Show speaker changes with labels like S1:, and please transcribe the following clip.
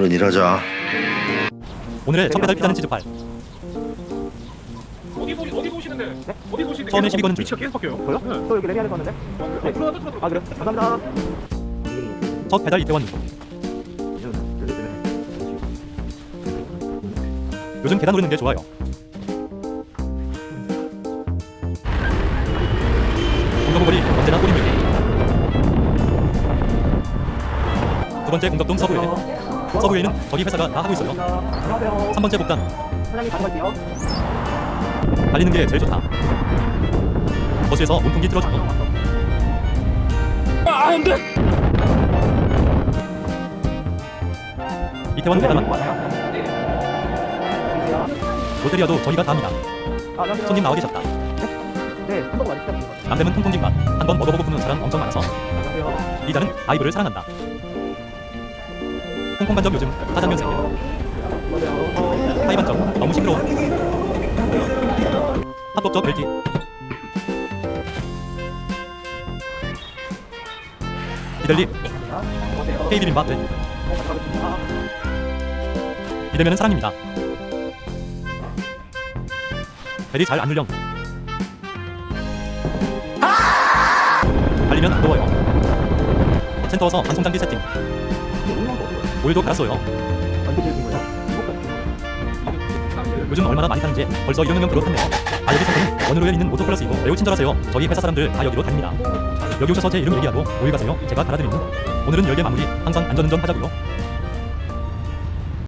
S1: 얼른 일하자.
S2: 오늘의 첫 배달 피자는 치즈팔.
S3: 어디 보시는데? 네? 어디 보시는데?
S2: 처음에 시비 거는 줄.
S3: 위치가 계속 바뀌어요.
S4: 보여?
S3: 네.
S4: 저 여기 레미안에 썼는데?
S3: 네. 들어가.
S4: 아 그래? 감사합니다.
S2: 첫 배달 이태원. 요즘 계단 오르는 게 좋아요. 공덕거리 언제나 꼬리물기. 두 번째 공덕동 서부회. 서부회는 저기 회사가 다 하고 있어요.
S4: 안녕하세요.
S2: 3번째 복단.
S4: 사장님 가져갈게요.
S2: 달리는 게 제일 좋다. 버스에서 온풍기 틀어주고. 이태원 배달만. 롯데리아도 저희가 다 합니다.
S4: 안녕하세요.
S2: 손님 나와 계셨다.
S4: 네, 한번 맛있다.
S2: 남대문 통통진 맛. 한번 먹어보고 붙는 사람 엄청 많아서.
S4: 안녕하세요.
S2: 리자는 아이브를 사랑한다. 홍콩 반점 요즘 짜장면 세계.
S4: 안녕하세요.
S2: 타이 반점 너무 싱그러워. 합법적 벨기. 이들리
S4: 안녕하세요.
S2: K비빔밥 벨.
S4: 가져가겠습니다.
S2: 이러면은 사랑입니다. 벨이 잘 안 눌령. 달리면 안 더워요. 센터워서 방송장비 세팅. 오일도 갈았어요.
S4: 언제 드신 거예요?
S2: 요즘 얼마나 많이 타는지 벌써 1명 그렇다네요. 아 여기 센터는 원으로 있는 모토플러스이고 매우 친절하세요. 저희 회사 사람들 다 여기로 다닙니다. 여기 오셔서 제 이름 얘기하고 모일 가세요. 제가 달아드립니다. 오늘은 열개 마무리. 항상 안전운전 하자고요.